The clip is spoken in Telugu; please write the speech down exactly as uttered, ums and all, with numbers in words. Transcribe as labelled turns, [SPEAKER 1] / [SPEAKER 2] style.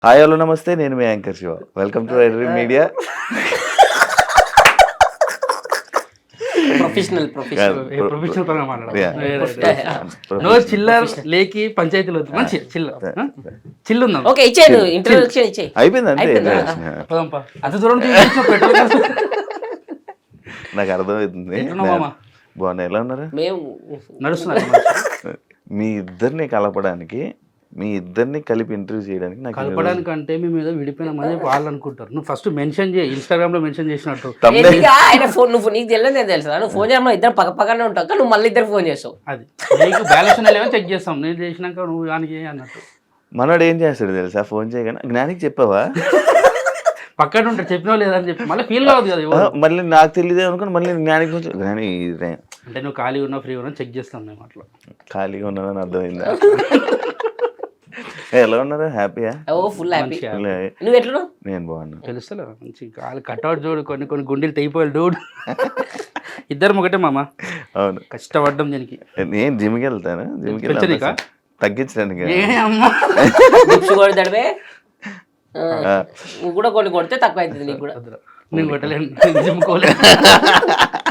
[SPEAKER 1] హాయ్ హలో నమస్తే, నేను మీ anchor Shiva. Welcome to Erri media.
[SPEAKER 2] Professional professional
[SPEAKER 3] professional పరంగా
[SPEAKER 1] Yeah.
[SPEAKER 3] నో చిల్లర్ లేకి పంచాయతీలు వద్దు. మంచి చిల్ల చిల్లు ఉందాం.
[SPEAKER 2] ఓకే ఇచ్చేయ్ నువ్వు ఇంట్రొడక్షన్ ఇచ్చేయ్.
[SPEAKER 1] అయిపోయింది అంతే.
[SPEAKER 2] అయిపోయిందా?
[SPEAKER 3] పోదాంపా. అంత దూరం నుంచి చూసిన పెట్రోల్
[SPEAKER 1] నాకు అర్థమవుతుంది.
[SPEAKER 3] ఎట్లున్నావు మామ?
[SPEAKER 1] బాగున్నా, ఎలా ఉన్నారు?
[SPEAKER 2] మేము
[SPEAKER 3] నడుస్తున్నారు.
[SPEAKER 1] మీ ఇద్దరిని కలపడానికి, మీ ఇద్దరిని కలిపి ఇంటర్వ్యూ చేయడానికి నాకు
[SPEAKER 3] కలపడానికి అంటే మేము ఏదో విడిపోయినామని వాళ్ళు అనుకుంటారు. నువ్వు ఫస్ట్ మెన్షన్ చేయి, ఇన్స్టాగ్రామ్ లో మెన్షన్ చేసినట్టు.
[SPEAKER 2] ఏంటిగా ఆయన ఫోన్ నువ్వు నీకు తెలియదు నేను తెలుసా నువ్వు ఫోన్ చేయడం ఇద్దరు పక్క పక్కనే ఉంటావు కానీ నువ్వు మళ్ళీ ఇద్దరు ఫోన్ చేస్తావు.
[SPEAKER 3] అది నీకు బ్యాలెన్స్ లేవని చెక్ చేస్తాం. నేను చేసినాక నువ్వు దానికి అన్నట్టు.
[SPEAKER 1] మనోడు ఏం చేస్తాడు తెలుసా? ఫోన్ చేయగానే జ్ఞానికి చెప్పావా?
[SPEAKER 3] పక్కన ఉంటాడు, చెప్పినా లేదని చెప్పి మళ్ళీ ఫీల్ కావద్దు కదా.
[SPEAKER 1] ఆ,
[SPEAKER 3] ఎవరు?
[SPEAKER 1] మళ్ళీ నాకు తెలియదే అనుకుని మళ్ళీ జ్ఞానికి కొంచెం జ్ఞాని ఇదే
[SPEAKER 3] అంటే నువ్వు ఖాళీ ఉన్నా ఫ్రీ ఉన్నా చెక్ చేస్తాం మేము అట్లా.
[SPEAKER 1] ఖాళీగా ఉన్నానని అర్థమైందా? ఎలా ఉన్నారు? హ్యాపీయా?
[SPEAKER 2] Oh full happy.
[SPEAKER 3] మంచిగా.
[SPEAKER 2] నువ్వు ఎట్లా
[SPEAKER 1] నేను బాగున్నా.
[SPEAKER 3] తెలుస్తలే మంచి కాలు కట్అవుట్ చూడు, కొన్ని కొన్ని గుండెలు తెగిపోయాలి డూడ్. ఇద్దరం ఒకటే మామ,
[SPEAKER 1] అవును,
[SPEAKER 3] కష్టపడ్డం దీనికి.
[SPEAKER 1] నేను జిమ్కి వెళ్తాను. జిమ్కి
[SPEAKER 3] పెంచనీకా?
[SPEAKER 1] వెళ్ళి తగ్గించడానికి.
[SPEAKER 3] ఏ అమ్మా,
[SPEAKER 2] డిప్స్ కొడతాడవే నువ్వు కూడా కొన్ని కొడితే తక్కువ అవుతుంది నీకు కూడా.
[SPEAKER 3] నేను కొట్టలేను, జిమ్కోలేను.